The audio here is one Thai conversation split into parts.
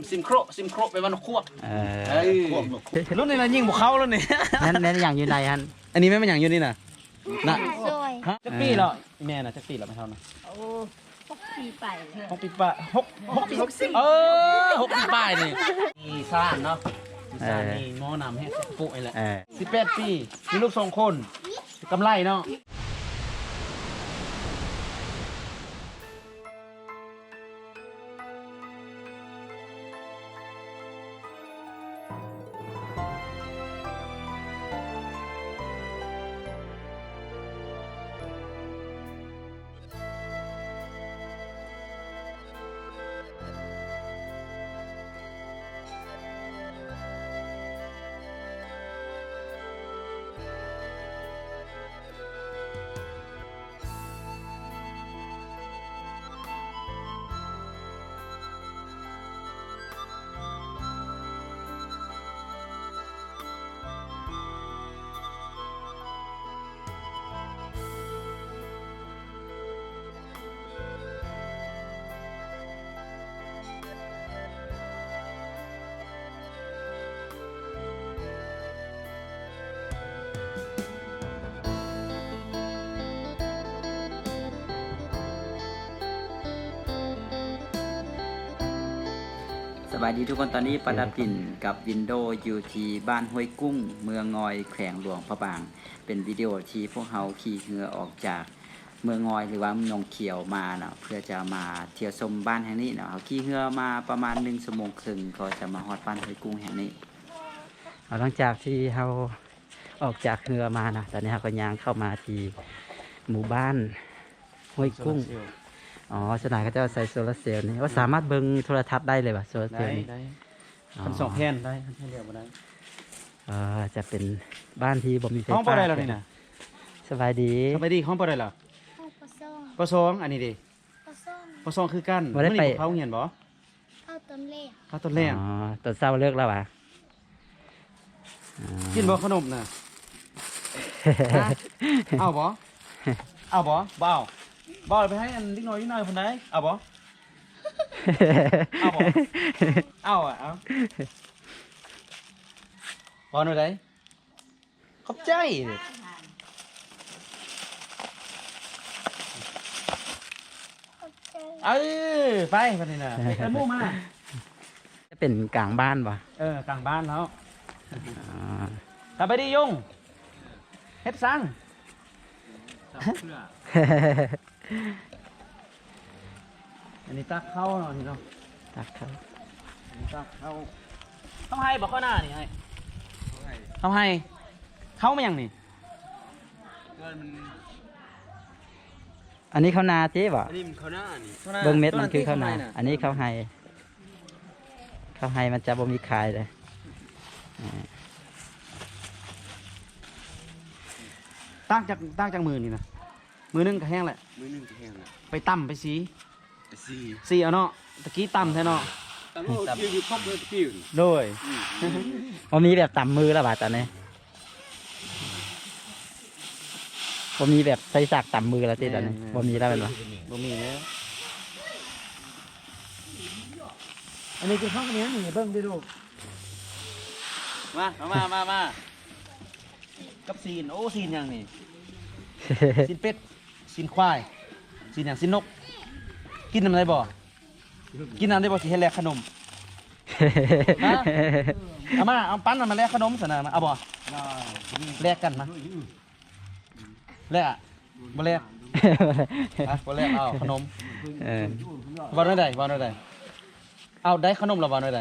ซิมโครไปวันควบรุ่นนี้นะยิงบุกเขาแล้วนี่นั่นอย่างอยู่ในฮันอันนี้ไม่เป็นอย่างอยู่นี่นะน่ะซอยจักปีเหรอแม่น่ะจักปีเหรอไม่เท่านะโอ้6 ปีไป 6 ปีป้า6 ปี606 ปีป้ายนี่มีซ่านเนาะมีซ่านนี่หม้อนำให้ปุ๊ไอ้แหละ18 ปีมีลูก2 คนกำไรเนาะสบายดีทุกคนตอนนี้ประดับดินกับวินโดว์อยู่ที่บ้านห้วยกุ้งเมืองงอยแขวงหลวงพระบางเป็นวิดีโอที่พวกเขาขี่เรือออกจากเมืองงอยหรือว่าเมืองหนองเขียวมาเนาะเพื่อจะมาเที่ยวชมบ้านแห่งนี้เนาะเขาขี่เรือมาประมาณ1 ชั่วโมงครึ่งก็จะมาฮอดบ้านห้วยกุ้งแห่งนี้หลังจากที่เขาออกจากเรือมานะตอนนี้เขาก็ย่างเข้ามาที่หมู่บ้านห้วยกุ้งอ๋อสนามเขาจะใส่โซลาร์เซลล์นี่ว่าสามารถเบิ่งโทรทัศน์ได้เลยป่ะโซลาร์เซลล์นี่ได้คัน2 แผ่นได้คันเรียกบ่ได้จะเป็นบ้านที่บ่มีไฟฟ้าห้องบ่ได้แล้วนี่นะสบายดีสบายดีห้องบ่ได้เหรอห้องปซ่องปสองอันนี้ดิปซ่องปสองคือกันบ่ได้ไปมื้อนี้เขาเหียนบ่เข้าต้นเล่เขาต้นแรกอ๋อตอนเช้าเลิกแล้วป่ะกินบ่ขนมน่ะ เอาบ่เอาบ่บ่เอาบ่เอาไปให้อันนิดหน่อยคนใดเอาบ่เอาบ่เอาอ่ะเอาบ่หน่อยใดขอบใจดิเข้าใจไปบัดนี้น่ะไปหมู่มาจะเป็นกลางบ้านป่ะกลางบ้านแล้วอ๋อกลับไปดิยุงเฮ็ดซังอันนี้ตักเข้าเนาะนี่เนาะตักครับตักเข้าต้องให้บอกข้อหน้านี่ให้ต้องให้เข้ามาอย่างนี่อันนี้ข้าวนาเจ๊ป่ะอันนี้มันข้าวหน้านี่เบิ้งเม็ดมันคือข้าวนา อันนี้ข้าวไฮข้าวไฮมันจะบ่มีขายเลยตั้งจากมือนี่นะมือนึงก็แห้งแหละมือหนึงจะแห้งละไปตั้มไปสีสี่สีเอาเนาะตะกี้ตั้มแท้เนาะตั้งโลดอยู่ครบเลยพี่อยู่โดยมันมีแบบต่ำมือแล้วป่ะตอนนี้มันมีแบบใส่สากต่ำมือแล้วที่ตอนนี้มันมีแล้วเป็นป่ะบ่มีแล้วอันนี้คือข้าวเหนียวนี่เบิ่งดิลูกมากับซีนโอ้ซีนอย่างนี่ ซีนเป็ดซีนควายซีนอย่างซีนนก กินน้ำได้บ่กินน้ำได้บ่สิเฮ็ดแลกขนมฮะเอามาเอาปั้นมาแลกขนมซะนะเอาบ่แลกกันมาแลกอะบ่แลกอ่ะบ่แลกเอาขนมเออบ่ได้บ่ได้เอาได้ขนมแล้วบ่ได้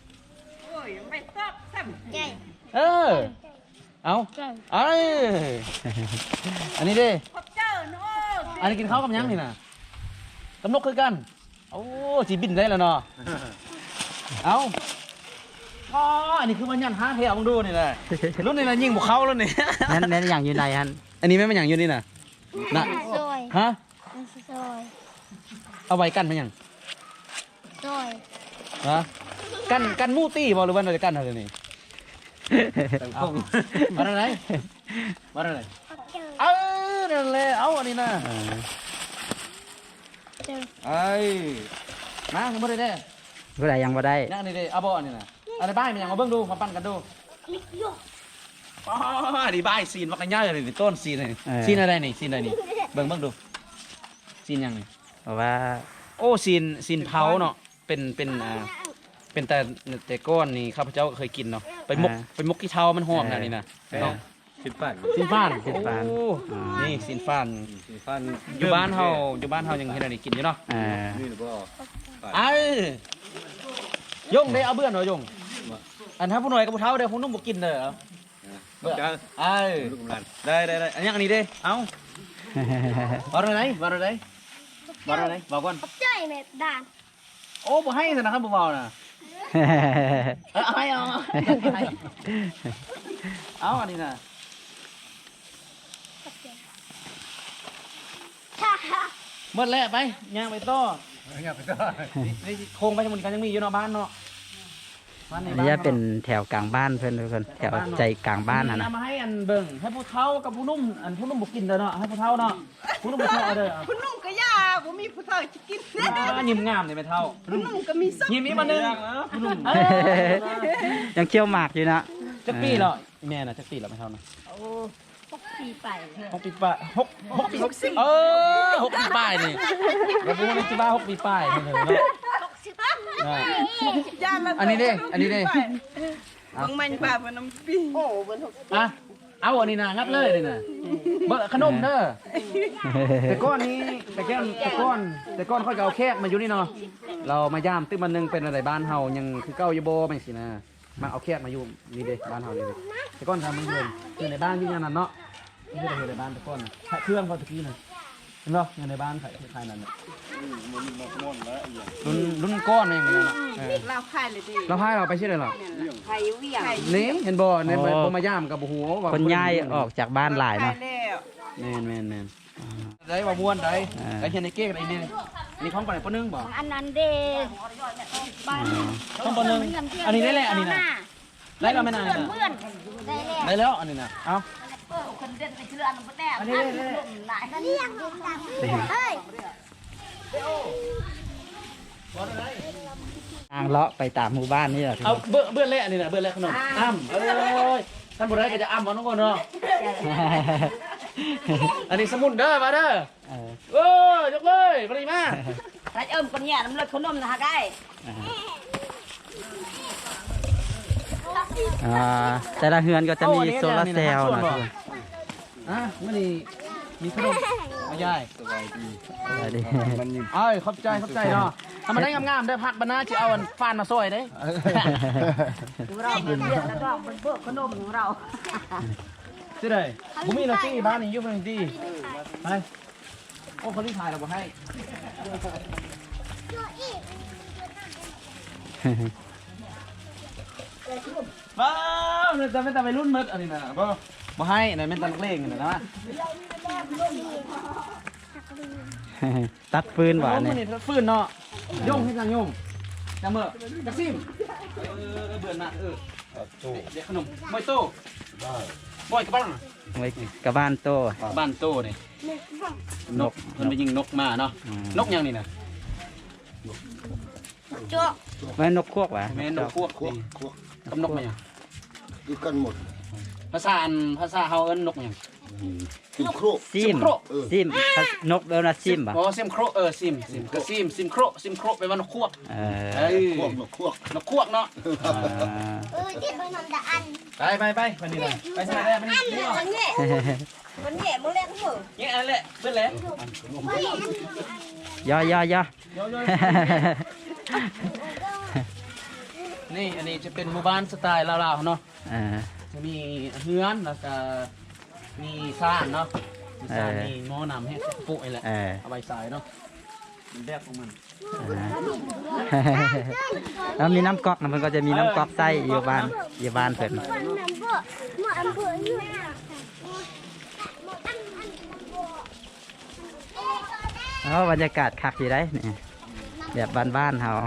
ใจเออเอาใจเอ้ยอันนี้ดิอันนี้กินข้าวกับหยังนี่น่ะกับนกคือกัน โอ้จีบินได้แล้วเนาะ เอาอ๋ออันนี้คือมันยันห้าเทียมึงดูนี่แหละรุ่นนี้นะยิงบุกเข้าแล้วนี่นั่นอย่างอยู่ในฮันอันนี้ไม่เป็นอย่างอยู่นี่น่ะน่ะซอยฮะมันซอยเอาไว้กันเป็นอย่างซอยฮะกันมู่ตี้บอหรือว่าเราจะกันอะไรนี่ตั้งเอากล้องมาอะไรมาอะไรเข้าใจนั่นแหละเอาอันนี้นะเจอไอ้มาไม่ได้แน่ผู้ใดยังบ่ได้นั่งนี่เด้เอาบ่อันนี้น่ะอันนี้บ้ายมันยังมาเบิ่งดูมาปั้นกันดูลิกโยอ๋อนี่บ้ายซีนว่ากันยากเลยนี่ต้นซีนนี่ซีนอะไรนี่ซีนอะไรนี่เบิ่งดูซีนยังนี่เพราะว่าโอ้ซีนเผาเนาะเป็นแต่ก้อนนี่ข้าพเจ้าก็เคยกินเนาะไปมกที่เท้ามันหอมนะนี่นะเนาะสิบปันซีนฟ้านซีนฟ้านโอ้นี่ซีนฟ้านสิบปันอยู่บ้านเฮายังเฮ็ดอันนี้กินอยู่เนาะนี่หรือเปล่าไอ้ยงได้เอาเบื่อหน่อยยงอันถ้าผู้หน่อยกับผู้เฒ่าเด้อผู้นุ่มบ่กินเด้อเบื่อไอ้ลูกกำลังได้อันนี้อันนี้เด้เอาบ่ได้ไหนบ่ได้บ่ก่อนขอบใจแม่ด่านโอ้บ่ให้ซะนะครับบ่เว้าน่ะเอาให้เอาอันนี้น่ะฮ่าฮ่าหมดแล้วไปย่างไปต่อนี่โครงไปทั้งหมดกันยังมีอยู่เนาะบ้านเนาะบ้านในอันบ้านนี้เป็นแถวกลางบ้านเพื่อนทุกคนแถวใจกลางบ้านนะเอามาให้อันเบิ่งให้ผู้เฒ่ากับผู้นุ่มอันผู้นุ่มบ่กินเด้อเนาะให้ผู้เฒ่าเนาะผู้นุ่มบ่เฒ่าเอาเด้อคุณนุ่งก็ยาบ่มีผู้ชายจะกินนะยิ้มงามเลยแม่เฒ่าคุณนุ่งก็มีส้มยิ้มอีกมาหนึงผู้นุ่มยังเคี่ยวหมากอยู่นะจักปีเหรอแม่น่ะจักปีเหรอแม่เฒ่านะ 6 ปีไป 6 ปีป้าย6 ปีเออ6 ปีป้ายนี่บ่รู้ว่าสิว่า6 ปีป้ายเพิ่นเนาะยาละอันนี้เด้บางมันป่ามันน้ำปีโอ้บน6 อ่ะเอาอันนี้นะงับเลยนี่นะเบอร์ขนมเด้อแต่ก้อนนี้แต่ก้อนค่อยเอาแคกมาอยู่นี่เนาะเรามาย่ามตึ้งมันนึงเป็นอะไรบ้านเฮายังคือเก้าอยู่บ่ไม่สินะมาเอาแคกมาอยู่นี่เด้บ้านเฮานี่เด้แต่ก้อนทำมันเดือนคือในบ้านที่นั่นน่ะเนาะนี่คือในบ้านแต่ก้อนเครื่องเขาตะกี้น่ะเห็นบ่อยู่ในบ้านขายนั่นน่ะรุ่นก้อนเองนี่เนาะเราพายเลยดิเราพายเราไปชื่ออะไรหรอไทยเวียงนี่เห็นบ่ในบ่มาย่ามกับหัวว่าคนย้ายออกจากบ้านหลายพาเนาะยแล้วแม่นได้ว่าม่วนได้ได้เห็นในเก๊กไอ้นี่นี่ของปานไหนปนึงบ่อันนั้นเดบ้านของปนึงอันนี้ได้แหละอันนี้นะได้แล้วแม่นางนี่นะเพื่อนได้แล้วได้แล้วอันนี้นะเอ้าคนเดินไปเชื่ออันนั้นแน่อันนี้หลายนั่นยังเฮ้ยทางเลาะไปตามหมู่บ้านนี่แหละทุกเอาคนเบื้อเละอันนี้นะเบื้อเละขนมอ้ำเอ้ยท่านบ่ได้ก็จะอ้ำบ่น้องคนเนาะอันนี้สมุนเด้อมาเด้อเออยกเลยปริมาถ้าเอิ่มปัญญาน้ำเลือดขนมนะฮะได้แต่ละเฮือนก็จะมีโซลาร์เซลล์นะทุกคนอ่ะมื้อนี้มีขนมเอายายสวัสดีเอ้ยขอบใจเนาะทำมาได้งามๆได้พักบรรณาจะเอาอันฟานมาซอยได้เราเป็นเลือดแล้วก็เป็นพวกขนมของเราที่ไหนผมมีลอตเตอรี่บ้านนี้อยุ่งเลยดีไปโอ้คนที่ถ่ายเราบอกให้ว้าวเนี่ยจะไม่แต่ไปรุ่นมืดอันนี้นะบ่บ่ให้เนี่ยไม่ตันเล่งนะนะตัดฟืนหวานเนี่เนี่ยยฟื้นเนาะย่งให้จังย่งจังเมื่อจักซิมเบื่อหนักเดี๋ยวขนมบอยโต้บอยกับบ้านไว้กับบ้านโตบ้านโต้เนี่ยนกมันไปยิงนกมาเนาะนกยังนี่นะจ๊อกไว้นกควกหวะแม่นกพวกกับนกมาอย่างดูกันหมดภาษาเฮาเอิ้นนกอย่างซิมโครซิมซิมนกเบลนะซิมป่ะอ๋อซิมโครซิมก็ซิมโครไปว่านกควกเออควกหนกควกนกควกเนาะที่เป็นนำตาอันไปวันนี้เลยไปใช่ไหมวันนี้นี่มันแง่มันแง่มึงเล่นเหรอนี่อันแหละเพื่อนแหละย่อย่อย่อนี่อันนี้จะเป็นหมู่บ้านสไตล์ลาวๆเนาะเออจะมีเฮือนแล้วก็มีซ่านเนาะมีซ่านมีหม้อน้ำให้ปุ๊ไอ้แหละเออเอาใบสายเนาะมันแบบของมันแล้วมีน้ำก๊อกนะมันก็จะมีน้ำก๊อกไส้อยู่บ้านเพิ่นคนนำเบอร์มาอำเภออยู่บรรยากาศคักอยู่ได้เนี่ยแบบบ้านๆเฮา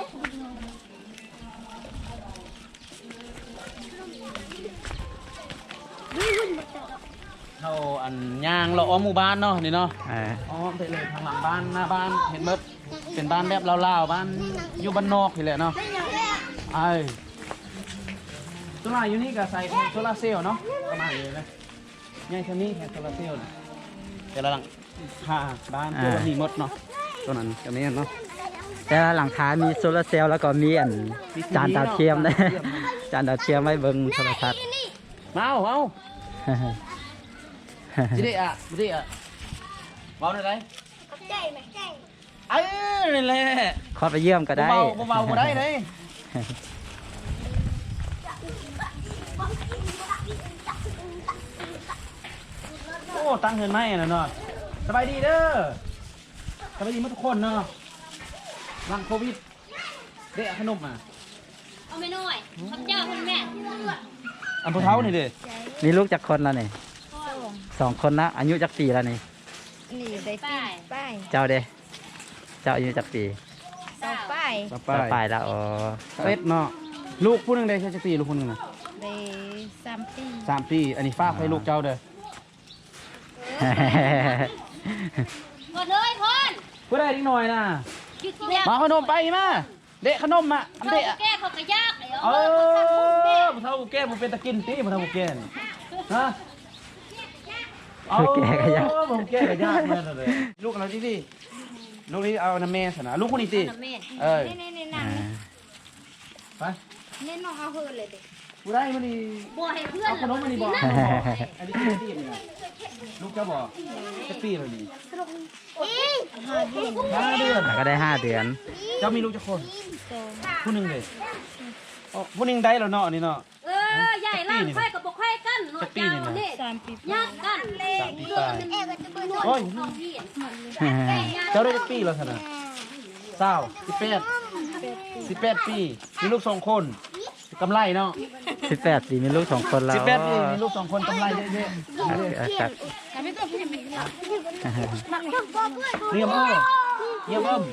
เท่าอันย่างเราอ้อมหมู่บ้านเนาะนี่เนาะเอออ้อมไปเลยทางหลังบ้านหน้าบ้านเห็นเบิดเป็นบ้านแบบลาวๆบ้านอยู่บ้านนอกนี่แหละเนาะไอ้ตัวมาอยู่นี่ก็ใส่โซลาร์เซลล์เนาะประมาณนี้นะใหญ่เท่านี้แค่โซลาร์เซลล์นะแต่ละหลังคาบ้านตัวนี้หมดเนาะตัวนั้นก็ไม่เนาะแต่ละหลังคามีโซลาร์เซลล์แล้วก็มีจานดาวเทียมนะ จานดาวเทียมไว้เบิ่งโทรทัศน์มาเอาจิได้อะจิได้อะเบาหน่อยได้เออนี่แหละขอไปเยี่ยมก็ได้เบาเบาบ่ได้เลยโอ้ตั้งเงินไหมน่ะเนาะสบายดีเด้อสบายดีหมดทุกคนเนาะหลังโควิดเด็กขนมอ่ะเอาไม่น้อยข้าเจ้าคุณแม่อันพวกเท้านี่เด้มีลูกจักคนแล้วนี่2 คนนะอายุจักปีแล้วนี่นี่ได้ปีป้ายเจ้าเด้เจ้าอายุจักปีสองป้ายต่อต่อไปแล้วอ๋อเป็ดเนาะลูกผู้หนึงได้แค่จะปีลูกคนหนึงนะได้3 ปี 3 ปี อันนี้ฝากให้ลูกเจ้าเด้อกดเลยคนผู้ได้นิดหน่อยนะหยุดแล้วมาขนมไปมาเด็กขนมอ่ะอันเขาเด็กอ่ะแก้เขากระยากเลยเออผู้เฒ่าผู้แก่ผู้เป็นตะกินตีผู้เฒ่าผู้แก่นี่ฮะผู้แก่ก็ยากผู้แก่ก็ยากเหมือนกันเลยลูกเราดิดิลูกนี้เอาน้ำแม่สนะลูกคนนี้ติเออนี่อ่าไปนี่น้องเอาเฮือเลยเด็กผู้ได้มันนี่บัวให้เพื่อนเอาขนมมันนี่บอกอันนี้คือตีนี่นะลูกเจ้าบอกจะปีแล้วนี่5 เดือนแล้วก็ได้5 เดือนเจ้ามีลูกจะคนผู้หนึ่งเลยอ๋อผู้หนึ่งได้แล้วเนาะนี่เนาะใหญ่ล่างไข่กับบอกไข่กันหนวดเจ้าเนี่ย 3 ปียากกันเลย 3 ปีเลือตาดยมันนวดโอ้ยของพี่เจ้าได้ปีแล้วสนะ18 ปีมีลูก2 คนกำไรเนาะ 18 ปีมีลูก2 คนแล้ว 18 ปีมีลูก2 คนกำไรเยอะครับๆเรียมอ้อเรียมอ้อม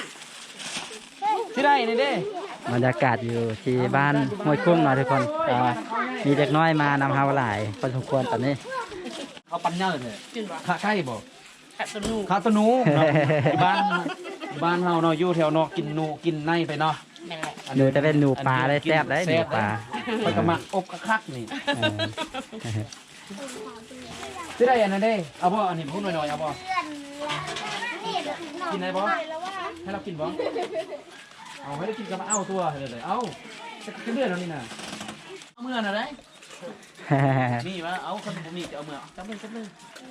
ที่ได้นี่เด้บรรยากาศอยู่ที่บ้านห้วยกุ้งเนาะทุกคนก็มีเด็กน้อยมานำเฮาหลายพอสมควรตอนนี้เขาปัญญาเลยขาไข่บ่ขาตนูเนาะอยู่บ้านเฮาเนาะอยู่แถวเนาะกินหนูกินในไปเนาะหนูจะเป็นหนูปลาได้แซ่บได้หนูปลาไปกระมักอบกระคักนี่เออที่ได้อันนั้นเด้เอาบ่อันนี้พูดหน่อยๆเอาบ่กินได้บ่ให้เรากินบ่เอาให้เรากินกับเอาตัวเลยเอาจะเลื่อนแล้วนี่น่ะเอาเมื่อน่ะได้มีมาเอาคนบ่มีจะเอาเมื่อจับเลย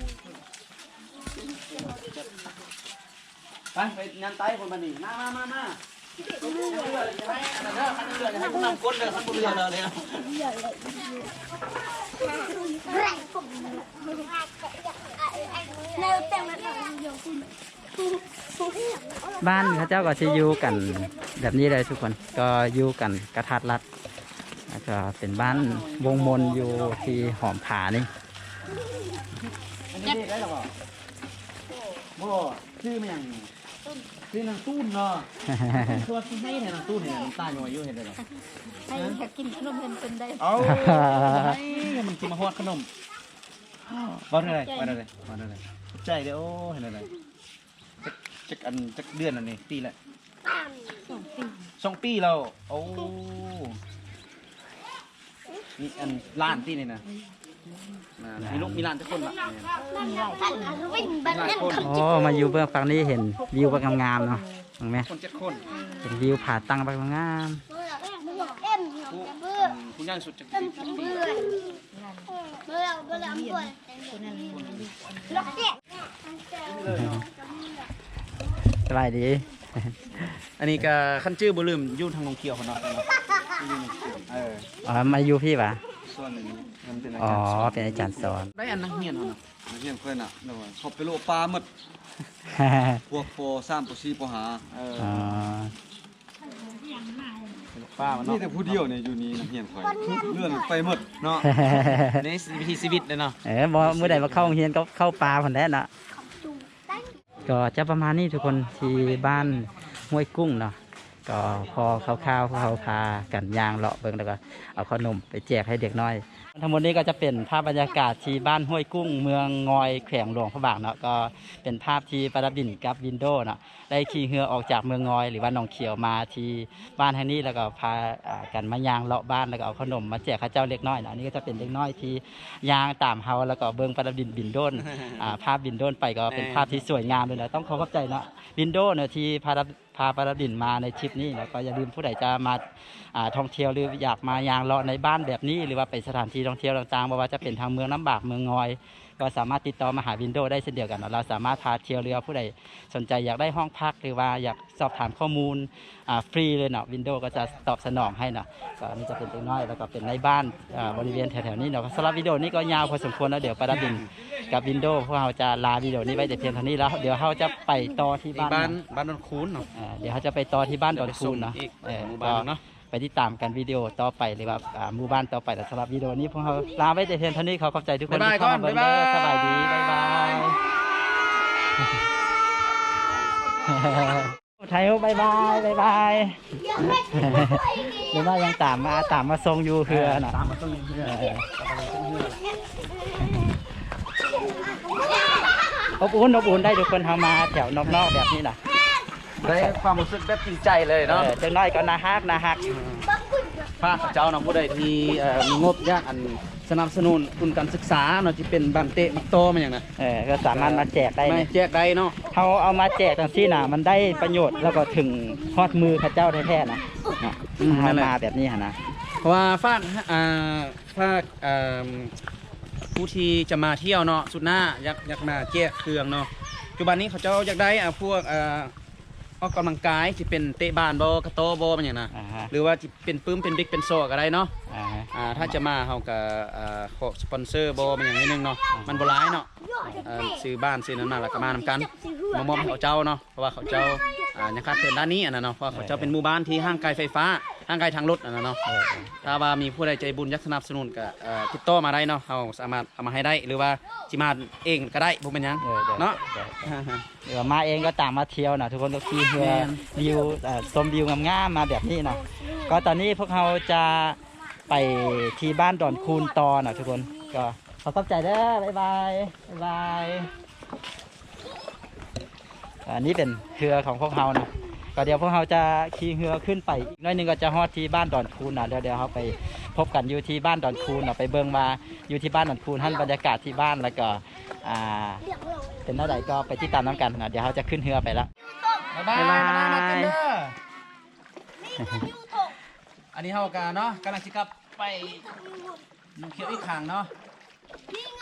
ไปงานไต้คนบันนี้มาให้ผู้นำก้นเลยขั้นบนเรือเลยนะบ้านเขาเจ้าก็จะอยู่กันแบบนี้เลยทุกคนก็อยู่กันกระทัดรัดแล้วก็เป็นบ้านวงมนอยู่ที่หอมผานี่อันนี้ได้หรอบ่ชื่อมันอย่างชื่อนางตุ้นเนาะตัวที่ให้เนี่ยนางตุ้นเนี่ยน้ำตาหน่อยอยู่เห็นได้หรอให้อยากกินขนมเป็นได้เอามันกินมาฮอดขนมวันอะไรใจเด้อโอ้เห็นอะไรจักเดือนอันนี้ปีละ2 ปีแล้วโอ้นี่อันล้านตีนี่นะมีลูกมีล้านทุกคนละหลายคนโอ้มาอยู่เบื้องฝั่งนี้เห็นวิวแบบงามๆเนาะเห็นไหมคน7 คนเห็นวิวผาตั้งแบบงามคุณย่างสุดจะปีสบายดีอันนี้ก็ขั้นชื่อบ่ลืมยุ่ทางนงเขียวเขาเนาะอ๋อมาอยู่พี่ปะส่วนหนึ่งมันเป็นอาอ๋อจารย์สอนเป็นอาจารย์สอนได้อันนักเรียนเขาเนาะนักเรียนเพื่อนอ่ะเดี๋ยวว่าเขาไปโลปลาหมดพวกป.3 ป.4 ป.5 อ๋อป้ามันนี่เนาะแต่ผู้เดียวเนี่ยอยู่นี่นักเรียนคอยเลื่อนไปหมดเนาะในวิถีชีวิตเลยเนาะบ่เมื่อใดมาเข้าโรงเรียนก็เข้าป่าผ่นแน่นะก็จะประมาณนี้ทุกคนที่บ้านห้วยกุ้งเนาะก็พอข้าวๆพวกเขาพากันย่างเลาะเบิ่งแล้วก็เอาขนมไปแจกให้เด็กน้อยทั้งหมดนี้ก็จะเป็นภาพบรรยากาศที่บ้านห้วยกุ้งเมืองงอยแขวงหลวงพระบางเนาะก็เป็นภาพที่ประดับดินกับวินโดว์เนาะได้ขี่เรือออกจากเมืองงอยหรือว่าหนองเขียวมาที่บ้านแห่งนี้แล้วก็พากันมาย่างเลาะบ้านแล้วก็เอาขนมมาแจกข้าเจ้าเล็กน้อยเนาะนี่ก็จะเป็นเล็กน้อยที่ย่างตามเฮาแล้วก็เบิ่งประดับดินบินโดนภาพบินโดนไปก็เป็นภาพที่สวยงามเลยนะต้องขอบใจเนาะวินโดว์เนี่ยที่พาประดับดินมาในทริปนี้แล้วก็อย่าลืมผู้ใดจะมาท่องเที่ยวหรืออยากมายางเลาะในบ้านแบบนี้หรือว่าไปสถานที่ท่องเที่ยวต่างๆไม่ว่าจะเป็นทางเมืองน้ำบากเมืองงอยก็สามารถติดต่อมาหาวินโดว์ได้เช่นเดียวกันเราสามารถพาเที่ยวเรือผู้ใดสนใจอยากได้ห้องพักหรือว่าอยากสอบถามข้อมูลฟรีเลยเนาะวินโดว์ก็จะตอบสนองให้เนาะก็นี่จะเป็นเล็กน้อยแล้วก็เป็นในบ้านบริเวณแถวๆนี้เนาะสำหรับวิดีโอนี้ก็ยาวพอสมควรแล้วเดี๋ยวประดับดินกับวินโดว์พวกเราจะลาวิดีโอนี้ไว้แต่เพียงเท่านี้แล้วเดี๋ยวเราจะไปต่อที่บ้านดอนคูนเนาะเดี๋ยวเขาจะไปต่อที่บ้านดอนคูนเนาะหมู่บ้านเนาะไปติดตามกันวิดีโอต่อไปหรือว่าหมู่บ้านต่อไปแต่สำหรับวิดีโอนี้พวกเราลาไว้แต่เพียงเท่านี้เขาขอบใจทุกคนที่เข้ามาเบิ่งเด้อสบายดีบ๊ายบายไทยบ๊ายบายบ๊ายบายหรือว่ายังตามมาทรงอยู่เฮือน่ะตามมาต้องเรืออบอุ่นได้ทุกคนทำมาแถวนอกๆแบบนี้น่ะได้ความรู้สึกแบบจริงใจเลยเนาะจังน้อยก็น่าฮักพระเจ้าเนาะผู้ใดที่มีงบยากอันสนับสนุนทุนการศึกษาเนาะที่เป็นบันเตะมักโตมันอย่างน่ะก็สามารถมาแจกได้ไม่แจกได้เนาะเขาเอามาแจกจังซี่น่ะมันได้ประโยชน์แล้วก็ถึงฮอดมือข้าเจ้าแท้ๆนะเอามาแบบนี้หั่นนะเพราะว่าฝากผู้ที่จะมาเที่ยวเนาะสุดหน้าอยากมาแจกเครื่องเนาะปัจจุบันนี้เขาเจ้าอยากได้พวกออกกำลังกายที่เป็นเตะบานบกระโตบมันอย่างน่ะหรือว่าที่เป็นปื้มเป็นบิ๊กเป็นโซ่ก็ได้เนาะถ้าจะมาเขาก็ขอสปอนเซอร์บมันอย่างนิดนึงเนาะมันโบราณเนาะซื้อบ้านซื้อนั้นมาแล้วก็มานำกันมามอบให้เขาเจ้าเนาะเพราะว่าเขาเจ้ายังขาดเกินด้านนี้อันนั้นเนาะเพราะเขาเจ้าเป็นหมู่บ้านที่ห้างไกลไฟฟ้าห้างไกลทางรถอันนั้นเนาะถ้าว่ามีผู้ใดใจบุญอยากสนับสนุนก็ติดต่อมาได้เนาะเขาสามารถเอามาให้ได้หรือว่าจิมาเองก็ได้ผมเป็นยังเนาะเดี๋ยวมาเองก็ตามมาเที่ยวนะทุกคนก็ขี่เรือวิวชมวิวงามๆมาแบบนี้นะก็ตอนนี้พวกเราจะไปที่บ้านดอนคูนตอนะทุกคนก็ขอขอบใจเด้อบ๊ายบายบ๊ายบายอันนี้เป็นเรือของพวกเรานะก็เดี๋ยวพวกเราจะขี่เรือขึ้นไปอีกน้อยหนึงก็จะฮอดที่บ้านดอนคูนนะเดี๋ยวเราไปพบกันอยู่ที่บ้านดอนคูนนะไปเบิ่งมาอยู่ที่บ้านดอนคูนท่านบรรยากาศที่บ้านแล้วก็เป็นเท่าไหร่ก็ไปติดตามน้ำกันนะเดี๋ยวเขาจะขึ้นเรือไปแล้วบ๊ายบายมาเต้นเด้ออันนี้เฮากันเนาะกำลังสิกลับไปหนองเขียวอีกครั้งเนาะ